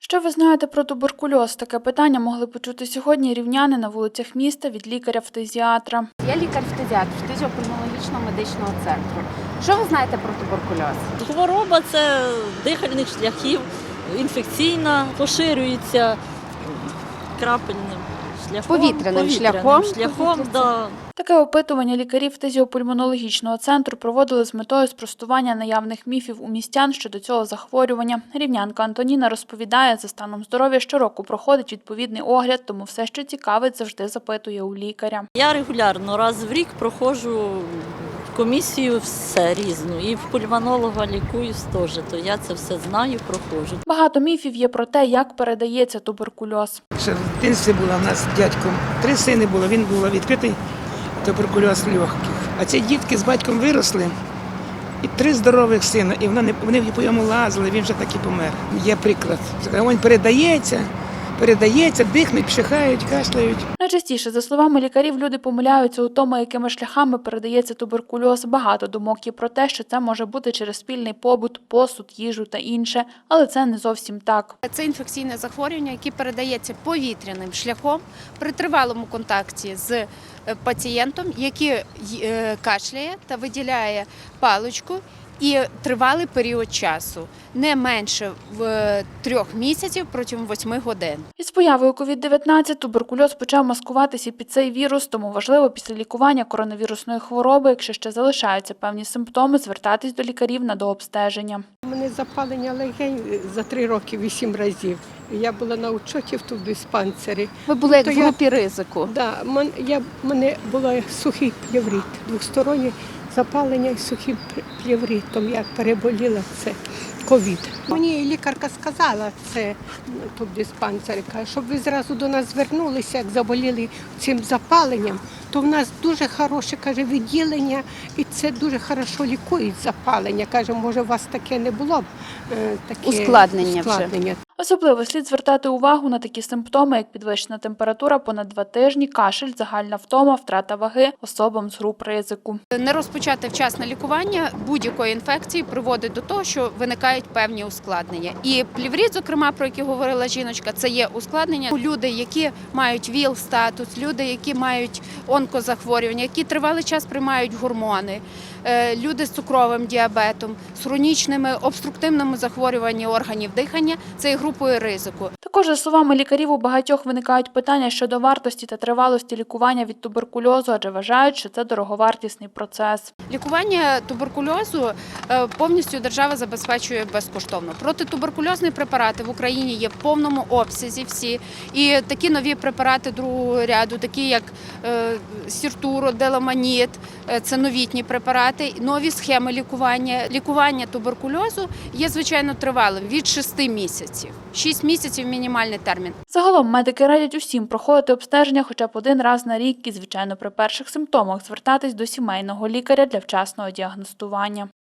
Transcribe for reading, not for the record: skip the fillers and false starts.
Що ви знаєте про туберкульоз? Таке питання могли почути сьогодні рівняни на вулицях міста від лікаря-фтизіатра. Я лікар-фтизіатр фтизіопульмонологічного медичного центру. Що ви знаєте про туберкульоз? Хвороба – це дихальних шляхів, інфекційна, поширюється крапельним шляхом. Повітряним шляхом. Да. Таке опитування лікарів фтизіопульмонологічного центру проводили з метою спростування наявних міфів у містян щодо цього захворювання. Рівнянка Антоніна розповідає, за станом здоров'я щороку проходить відповідний огляд, тому все, що цікавить, завжди запитує у лікаря. Я регулярно раз в рік проходжу комісію все різну. І в пульмонолога лікуюсь теж, то я це все знаю, проходжу. Багато міфів є про те, як передається туберкульоз. Ще в дитинстві була в нас з дядьком 3 сини було, він був відкритий туберкульоз легких. А ці дітки з батьком виросли, і 3 здорових сина, і вони по йому лазили, він вже так і помер. Є приклад. Він передається, дихнуть, пшихають, кашляють. Найчастіше, за словами лікарів, люди помиляються у тому, якими шляхами передається туберкульоз. Багато думок є про те, що це може бути через спільний побут, посуд, їжу та інше, але це не зовсім так. Це інфекційне захворювання, яке передається повітряним шляхом при тривалому контакті з пацієнтом, який кашляє та виділяє паличку, і тривалий період часу, не менше 3 місяців протягом 8 годин. Із появою COVID-19 туберкульоз почав маскуватися під цей вірус, тому важливо після лікування коронавірусної хвороби, якщо ще залишаються певні симптоми, звертатись до лікарів на дообстеження. У мене запалення легень за 3 роки 8 разів. Я була на учоті в диспансері. Ви були як в групі ризику? Так, в мене був сухий плеврит, двостороннє запалення і сухим плевритом. Я переболіла це ковід. Мені лікарка сказала, це тут в диспансері, каже, щоб ви зразу до нас звернулися, як заболіли цим запаленням, то в нас дуже хороше, каже, відділення і це дуже хорошо лікують запалення. Каже, може у вас таке не було б, таке ускладнення. Особливо слід звертати увагу на такі симптоми, як підвищена температура понад 2 тижні, кашель, загальна втома, втрата ваги особам з груп ризику. Не розпочати вчасне лікування будь-якої інфекції приводить до того, що виникають певні ускладнення. І плеврит, зокрема, про який говорила жіночка, це є ускладнення. Люди, які мають ВІЛ-статус, люди, які мають онкозахворювання, які тривалий час приймають гормони, люди з цукровим діабетом, з хронічними обструктивними захворюваннями органів дихання – це є групою ризику. Також, за словами лікарів, у багатьох виникають питання щодо вартості та тривалості лікування від туберкульозу, адже вважають, що це дороговартісний процес. Лікування туберкульозу повністю держава забезпечує безкоштовно. Протитуберкульозні препарати в Україні є в повному обсязі всі. І такі нові препарати другого ряду, такі як Сіртуро, Деламаніт, це новітні препарати, нові схеми лікування. Лікування туберкульозу є, звичайно, тривалим – від 6 місяців. 6 місяців – мінімальний термін. Загалом медики радять усім проходити обстеження хоча б 1 раз на рік і, звичайно, при перших симптомах звертатись до сімейного лікаря для вчасного діагностування.